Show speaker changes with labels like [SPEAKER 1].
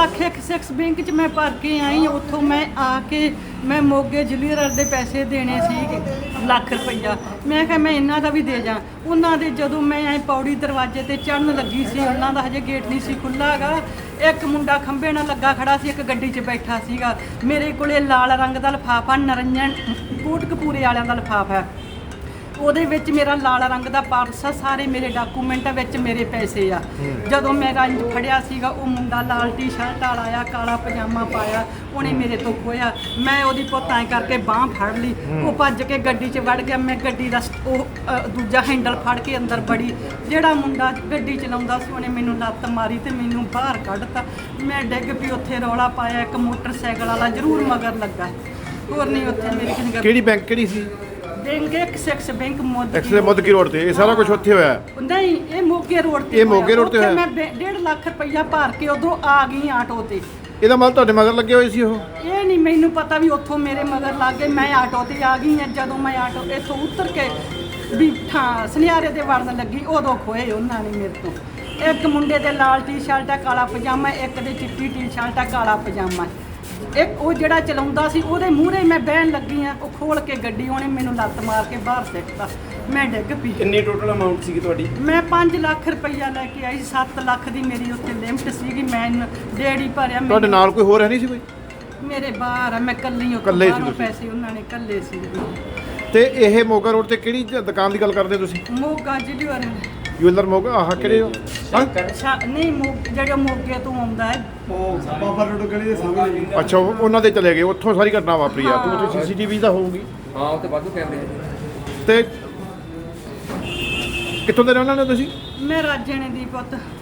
[SPEAKER 1] Lakh Axis bank 'ਚ ਮੈਂ ਭਰ ਕੇ ਆਈ। ਉੱਥੋਂ ਮੈਂ ਆ ਕੇ ਮੈਂ ਮੋਗੇ ਜਲੀਅਰ ਦੇ ਪੈਸੇ ਦੇਣੇ ਸੀ ਲੱਖ ਰੁਪਈਆ। ਮੈਂ ਕਿਹਾ ਮੈਂ ਇਹਨਾਂ ਦਾ ਵੀ ਦੇ ਜਾ। ਉਹਨਾਂ ਦੇ ਜਦੋਂ ਮੈਂ ਐ ਪੌੜੀ ਦਰਵਾਜ਼ੇ ਤੇ ਚੜ੍ਹਨ ਲੱਗੀ ਸੀ, ਉਹਨਾਂ ਦਾ ਹਜੇ ਗੇਟ ਨਹੀਂ ਸੀ ਖੁੱਲ੍ਹਾ ਗਾ। ਇੱਕ ਮੁੰਡਾ ਖੰਭੇ ਨਾਲ ਲੱਗਾ ਖੜਾ ਸੀ, ਇੱਕ ਗੱਡੀ 'ਚ ਬੈਠਾ ਸੀਗਾ। ਮੇਰੇ ਕੋਲੇ ਲਾਲ ਰੰਗ ਦਾ ਲਿਫਾਫਾ, ਨਰੰਜਨ ਕੋਟਕਪੂਰੇ ਵਾਲਿਆਂ ਦਾ ਲਿਫਾਫਾ ਹੈ। ਉਹਦੇ ਵਿੱਚ ਮੇਰਾ ਲਾਲ ਰੰਗ ਦਾ ਪਰਸ ਆ, ਸਾਰੇ ਮੇਰੇ ਡਾਕੂਮੈਂਟ ਵਿੱਚ ਮੇਰੇ ਪੈਸੇ ਆ। ਜਦੋਂ ਮੈਂ ਰੰਜ ਫੜਿਆ ਸੀਗਾ, ਉਹ ਮੁੰਡਾ ਲਾਲ ਟੀ-ਸ਼ਰਟ ਵਾਲਾ ਆਇਆ, ਕਾਲਾ ਪਜਾਮਾ ਪਾਇਆ, ਉਹਨੇ ਮੇਰੇ ਤੋਂ ਖੋਇਆ। ਮੈਂ ਉਹਦੀ ਪੁੱਤ ਐਂ ਕਰਕੇ ਬਾਂਹ ਫੜ ਲਈ, ਉਹ ਭੱਜ ਕੇ ਗੱਡੀ 'ਚ ਵੜ ਗਿਆ। ਮੈਂ ਗੱਡੀ ਦਾ ਦੂਜਾ ਹੈਂਡਲ ਫੜ ਕੇ ਅੰਦਰ ਵੜੀ। ਜਿਹੜਾ ਮੁੰਡਾ ਗੱਡੀ ਚਲਾਉਂਦਾ ਸੀ, ਉਹਨੇ ਮੈਨੂੰ ਲੱਤ ਮਾਰੀ ਤੇ ਮੈਨੂੰ ਬਾਹਰ ਕੱਢਤਾ। ਮੈਂ ਡਿੱਗ ਪਈ, ਉੱਥੇ ਰੌਲਾ ਪਾਇਆ। ਇੱਕ ਮੋਟਰਸਾਈਕਲ ਵਾਲਾ ਜ਼ਰੂਰ ਮਗਰ ਲੱਗਾ, ਹੋਰ ਨਹੀਂ ਉੱਥੇ ਮੇਰੀ ਕਿੰਨੀ।
[SPEAKER 2] ਕਿਹੜੀ ਬੈਂਕ ਕਿਹੜੀ ਸੀ?
[SPEAKER 1] ਬੈਂਕ ਐਕਸਿਸ ਬੈਂਕ
[SPEAKER 2] ਮੋਦਕੀ ਰੋਡ ਤੇ। ਇਹ ਸਾਰਾ ਕੁਝ ਉੱਥੇ ਹੋਇਆ?
[SPEAKER 1] ਨਹੀਂ, ਇਹ ਮੋਗੇ ਰੋਡ ਤੇ।
[SPEAKER 2] ਇਹ ਮੋਗੇ ਰੋਡ ਤੇ ਹੋਇਆ?
[SPEAKER 1] ਮੈਂ 1.5 ਲੱਖ ਰੁਪਈਆ ਭਰ ਕੇ ਉਦੋਂ ਆ ਗਈ ਆਟੋ ਤੇ।
[SPEAKER 2] ਇਹਦਾ ਮਤਲਬ ਤੁਹਾਡੇ ਮਗਰ ਲੱਗੇ ਹੋਏ ਸੀ ਉਹ?
[SPEAKER 1] ਇਹ ਨਹੀਂ ਮੈਨੂੰ ਪਤਾ ਵੀ ਉੱਥੋਂ ਮੇਰੇ ਮਗਰ ਲੱਗ ਗਏ। ਮੈਂ ਆਟੋ ਤੇ ਆ ਗਈ ਹਾਂ। ਜਦੋਂ ਮੈਂ ਆਟੋ ਇੱਥੋਂ ਉਤਰ ਕੇ ਵੀ ਸੁਨਿਆਰੇ ਦੇ ਵੜਨ ਲੱਗੀ, ਉਦੋਂ ਖੋਏ ਉਹਨਾਂ ਨੇ ਮੇਰੇ ਤੋਂ। ਇੱਕ ਮੁੰਡੇ ਦੇ ਲਾਲ ਟੀ-ਸ਼ਰਟ ਆ, ਕਾਲਾ ਪਜਾਮਾ, ਇੱਕ ਦੇ ਚਿੱਟੀ ਟੀ-ਸ਼ਰਟ ਆ, ਕਾਲਾ ਪਜਾਮਾ। ਇੱਕ ਉਹ ਜਿਹੜਾ ਚਲਾਉਂਦਾ ਸੀ, ਉਹਦੇ ਮੂਹਰੇ ਮੈਂ ਬਹਿਣ ਲੱਗੀ ਆ। ਉਹ ਖੋਲ ਕੇ ਗੱਡੀ, ਉਹਨੇ ਮੈਨੂੰ ਲੱਤ ਮਾਰ ਕੇ ਬਾਹਰ ਸਿੱਟਤਾ। ਮੈਂ ਡਿੱਗ ਪਈ।
[SPEAKER 3] ਕਿੰਨੀ ਟੋਟਲ ਅਮਾਉਂਟ ਸੀਗੀ ਤੁਹਾਡੀ?
[SPEAKER 1] ਮੈਂ 5 ਲੱਖ ਰੁਪਈਆ ਲੈ ਕੇ ਆਈ। 7 ਲੱਖ ਦੀ ਮੇਰੀ ਉੱਥੇ ਲਿਮਟ ਸੀਗੀ। ਮੈਂ ਡੇੜੀ ਭਰਿਆ।
[SPEAKER 2] ਤੁਹਾਡੇ ਨਾਲ ਕੋਈ ਹੋਰ ਹੈ ਨਹੀਂ ਸੀ ਕੋਈ?
[SPEAKER 1] ਮੇਰੇ ਬਾਹਰ ਆ, ਮੈਂ ਕੱਲੀ
[SPEAKER 2] ਇਕੱਲੇ ਸੀ ਤੁਸੀਂ?
[SPEAKER 1] ਪੈਸੇ ਉਹਨਾਂ ਨੇ ਕੱਲੇ ਸੀ।
[SPEAKER 2] ਤੇ ਇਹ ਮੋਗਾ ਰੋਡ ਤੇ ਕਿਹੜੀ ਦੁਕਾਨ ਦੀ ਗੱਲ ਕਰਦੇ ਤੁਸੀਂ?
[SPEAKER 1] Moga jeweller
[SPEAKER 2] jeweller Moga. ਆਹ ਕਿਹੜੇ?
[SPEAKER 1] ਨਹੀਂ, ਜਿਹੜਾ ਮੋਗੇ ਤੋਂ ਆਉਂਦਾ ਹੈ।
[SPEAKER 3] ਬਾਬਾ ਰੋਡ ਗਲੀ ਦੇ ਸਾਹਮਣੇ।
[SPEAKER 2] ਅੱਛਾ, ਉਹਨਾਂ ਦੇ ਚਲੇ ਗਏ, ਉੱਥੋਂ ਸਾਰੀ ਘਟਨਾ ਵਾਪਰੀ ਆ। ਤੇ ਉੱਥੇ ਸੀਸੀਟੀਵੀ ਤਾਂ ਹੋਊਗੀ?
[SPEAKER 4] ਹਾਂ, ਉੱਥੇ ਵਾਧੂ ਕੈਮਰੇ।
[SPEAKER 2] ਤੇ ਕਿੱਥੋਂ ਦੇ ਰਹਿਣ ਵਾਲੇ ਹੋ ਤੁਸੀਂ?
[SPEAKER 1] ਮੈਂ ਰਾਜਣੇ ਦੀ ਪੁੱਤ।